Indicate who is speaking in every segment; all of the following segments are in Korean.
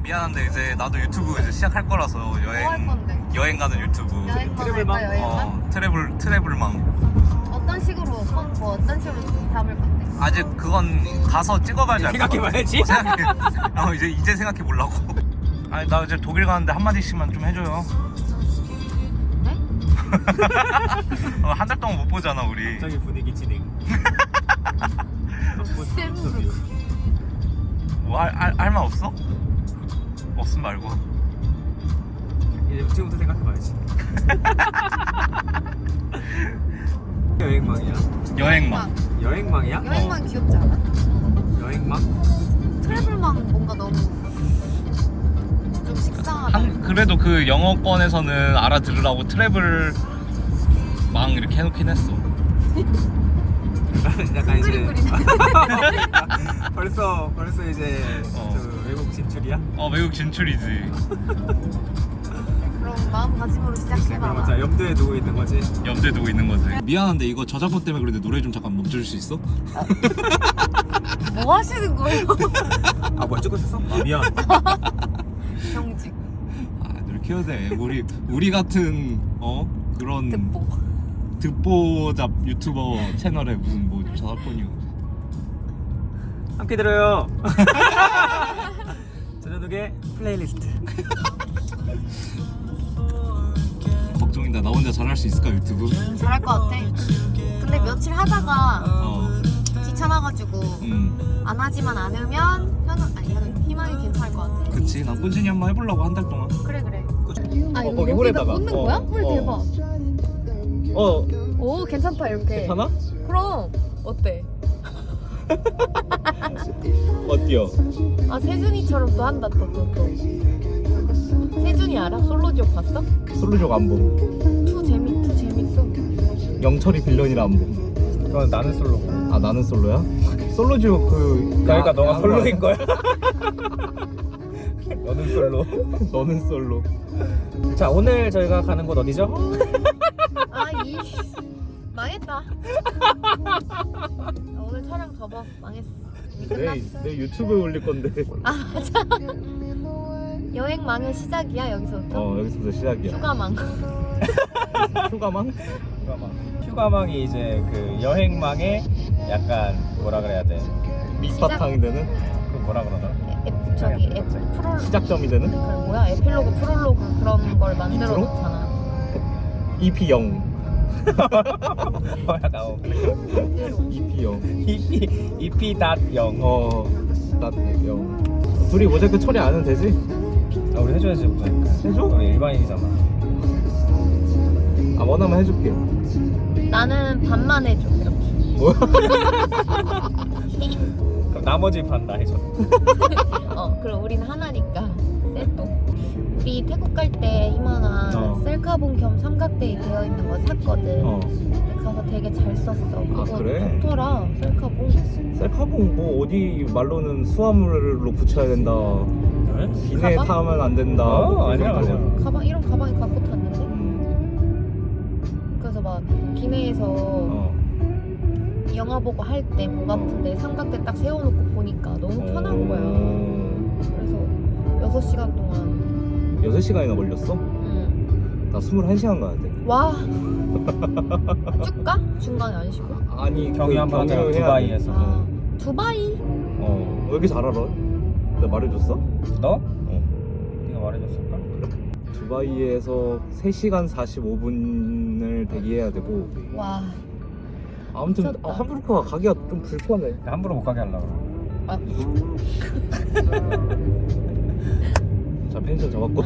Speaker 1: 미안한데 이제 나도 유튜브 이제 시작할 거라서
Speaker 2: 뭐 할 건데?
Speaker 1: 여행 가는 유튜브.
Speaker 2: 여행만
Speaker 3: 트래블망?
Speaker 2: 할까, 여행만?
Speaker 1: 트래블망.
Speaker 2: 어떤 식으로, 뭐 어떤 식으로 담을 건데?
Speaker 1: 아직 그건 가서 찍어봐야지. 알 것 같아.
Speaker 3: 생각해봐야지.
Speaker 1: 이제 생각해 보려고. 아니 나 이제 독일 가는데 한 마디씩만 좀 해줘요.
Speaker 2: 네?
Speaker 1: 한 달 동안 못 보잖아 우리.
Speaker 3: 저기 분위기 진행.
Speaker 2: 쌤으로.
Speaker 1: 뭐 할 말 없어? 없음 말고.
Speaker 3: 이제 지금부터 생각해봐야지. 여행망이야.
Speaker 1: 여행망.
Speaker 3: 여행망이야?
Speaker 2: 여행망 귀엽지 않아?
Speaker 3: 여행망?
Speaker 2: 트래블망 뭔가 너무 좀 식상하다.
Speaker 1: 그래도 그 영어권에서는 알아들으라고 트래블망 이렇게 해놓긴 했어.
Speaker 3: 약간 이제
Speaker 2: 그림 그리네.
Speaker 3: 벌써 이제 그 외국 진출이야?
Speaker 1: 외국 진출이지.
Speaker 2: 그럼 마음가짐으로
Speaker 3: 그럼
Speaker 2: 시작해봐.
Speaker 3: 자 염두에 두고 있는 거지.
Speaker 1: 염두에 두고 있는 거지. 미안한데 이거 저작권 때문에 그런데 노래 좀 잠깐 멈춰줄 수 있어?
Speaker 2: 뭐 하시는 거예요?
Speaker 3: 아 뭐야 찍고 있었어? 아 미안.
Speaker 2: 경직.
Speaker 1: 노래 키워야 돼. 우리 같은 그런 듣보잡 유튜버 채널에 무슨 뭐 저작권이요.
Speaker 3: 함께 들어요. 저녁에 플레이리스트.
Speaker 1: 걱정이다. 나 혼자 잘할 수 있을까 유튜브?
Speaker 2: 잘할 것 같아. 근데 며칠 하다가
Speaker 1: 어.
Speaker 2: 귀찮아가지고 안 하지만 않으면 현우 희망이 괜찮을 것 같아.
Speaker 1: 그치. 난 꾸준히 한번 해보려고 한 달 동안.
Speaker 2: 그래. 아
Speaker 1: 거기 홀에다가.
Speaker 2: 꽂는 거야? 홀 대박. 오 괜찮다 이렇게.
Speaker 1: 괜찮아?
Speaker 2: 그럼 어때?
Speaker 1: 어때요?
Speaker 2: 아 세준이처럼 또 한다 또. 세준이 알아? 솔로지옥 봤어?
Speaker 1: 솔로족 안 봄.
Speaker 2: 투 재밌어.
Speaker 1: 영철이 빌런이라 안 봄.
Speaker 3: 그건 나는 솔로.
Speaker 1: 아 나는 솔로야? 솔로족
Speaker 3: 그러니까 너가 솔로인 거야?
Speaker 1: 너는 솔로. 너는 솔로.
Speaker 3: 자 오늘 저희가 가는 곳 어디죠?
Speaker 2: 아이 망했다. 오늘 촬영 접어. 망했어. 이미 끝났어.
Speaker 1: 내 유튜브에 올릴 건데.
Speaker 2: 아 맞아. 여행망의 시작이야 여기서부터.
Speaker 1: 여기서부터 시작이야.
Speaker 2: 휴가망.
Speaker 1: 휴가망?
Speaker 3: 휴가망이 이제 그 여행망의 약간 뭐라 그래야 돼?
Speaker 1: 밑바탕이 되는?
Speaker 3: 그 뭐라 그러나?
Speaker 2: 저기 프롤
Speaker 1: 시작점이 되는?
Speaker 2: 그 뭐야 에필로그 프롤로그 그런 걸 만들어
Speaker 1: 인트로?
Speaker 2: 놓잖아.
Speaker 1: EP 0.
Speaker 3: 약간
Speaker 1: EP 0.
Speaker 3: EP.0.
Speaker 1: 딱 0. 둘이 모자이크 처리 안 해도 되지?
Speaker 3: 아 우리 해줘야지 모자이크.
Speaker 1: 해줘?
Speaker 3: 우리 일반인이잖아.
Speaker 1: 원하면 해줄게.
Speaker 2: 나는 반만 해줘 이렇게.
Speaker 1: 뭐야?
Speaker 3: 그럼 나머지 반 다 해줘.
Speaker 2: 그럼 우리는 하나니까 셋도. 우리 태국 갈 때 희망아 셀카봉 겸 삼각대에 되어 있는 거 샀거든. 근데 가서 되게 잘 썼어. 그거
Speaker 1: 그래?
Speaker 2: 좋더라 셀카봉.
Speaker 1: 셀카봉 뭐 어디 말로는 수화물로 붙여야 된다. 기내에
Speaker 2: 가방?
Speaker 1: 타면 안 된다.
Speaker 3: 아니야.
Speaker 2: 가방 이런 가방에 갖고 탔는데. 그래서 막 기내에서 영화 보고 할 때 목 아픈데 삼각대 딱 세워놓고 보니까 너무 편한 거야. 그래서 6시간 동안
Speaker 1: 6시간이나 걸렸어? 나 21시간 가야 돼.
Speaker 2: 와 쭉 가? 중간에 안 쉬고?
Speaker 1: 아니
Speaker 3: 경유 한번 하자.
Speaker 1: 경유를 해야
Speaker 3: 두바이에서.
Speaker 2: 아, 두바이?
Speaker 1: 왜 이렇게 잘 알아? 내가 말해줬어?
Speaker 3: 너? 네가 말해줬을까?
Speaker 1: 두바이에서 3시간 45분을 대기해야 되고.
Speaker 2: 와
Speaker 1: 아무튼
Speaker 2: 미쳤다.
Speaker 1: 함부르크가 가기가 좀 불편해.
Speaker 3: 함부로 못 가게 하려고.
Speaker 2: 아,
Speaker 1: 자 펜션 잡았고.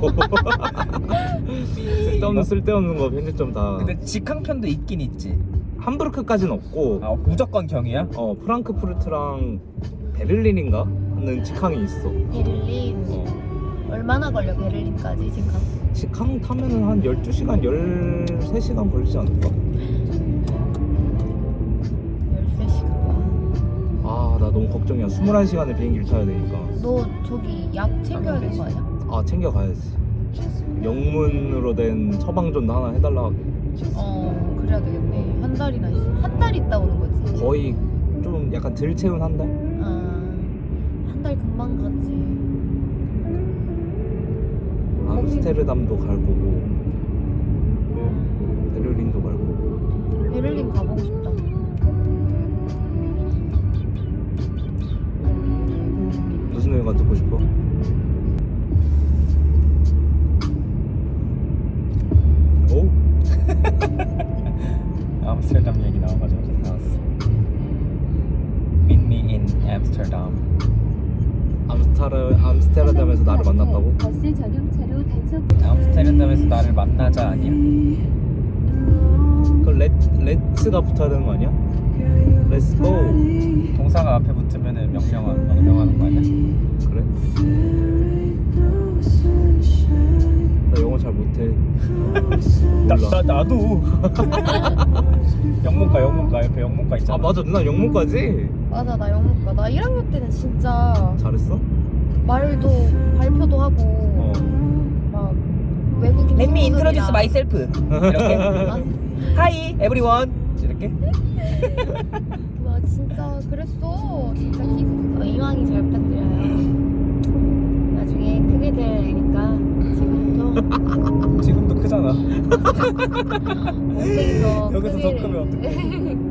Speaker 1: 쓸데없는 거 편집점 다.
Speaker 3: 근데 직항편도 있긴 있지.
Speaker 1: 함부르크까지는 없고
Speaker 3: 아 무조건 경이야?
Speaker 1: 프랑크푸르트랑 베를린인가는 직항이 있어.
Speaker 2: 베를린 얼마나 걸려 베를린까지 직항?
Speaker 1: 직항 타면은 한 12시간, 13시간 걸리지 않을까?
Speaker 2: 13시간.
Speaker 1: 아, 나 너무 걱정이야. 21시간을 비행기를 타야 되니까.
Speaker 2: 너 저기 약 챙겨야 되는 거 아니야?
Speaker 1: 아, 챙겨가야지. 영문으로 된 처방전도 하나 해달라 하고.
Speaker 2: 그래야 되겠네. 한 달이나 있어. 한 달 있다 오는 거지.
Speaker 1: 거의 좀 약간 덜 채운 한 달?
Speaker 2: 한 달 금방 가지.
Speaker 1: 암스테르담도 갈 거고 베를린도 갈 거고.
Speaker 2: 베를린 가보고 싶다.
Speaker 1: 무슨 노래가 듣고 싶어? 오?
Speaker 3: 암스테르담 얘기 나와가지고 나왔어. Meet me in Amsterdam.
Speaker 1: 암스테르담에서 나를 만났다고?
Speaker 4: 버스 전용차로 단속.
Speaker 3: 암스테르담에서 나를 만나자 아니야?
Speaker 1: 그 렛츠가 붙어야 되는 거 아니야? 렛츠 고.
Speaker 3: 동사가 앞에 붙으면은 명령하는 거 아니야?
Speaker 1: 그래? 나 영어 잘 못해. 몰라.
Speaker 3: 나도. 영문과 옆에 영문과 있잖아.
Speaker 1: 아 맞아, 누나 영문까지?
Speaker 2: 맞아, 나 영문과. 나 1학년 때는 진짜
Speaker 1: 잘했어?
Speaker 2: 말도 발표도 하고
Speaker 1: 어.
Speaker 2: 막 외국인
Speaker 3: Let me
Speaker 2: 친구들이랑
Speaker 3: introduce myself. 이렇게.
Speaker 2: 아,
Speaker 3: Hi everyone. 이렇게.
Speaker 2: 와 진짜 그랬어. 진짜 기분. 이왕이 잘 부탁드려요. 나중에 크게 되니까 지금부터
Speaker 3: 지금도 크잖아.
Speaker 2: 엉덩이도
Speaker 3: 여기서 더 크면 어떡해.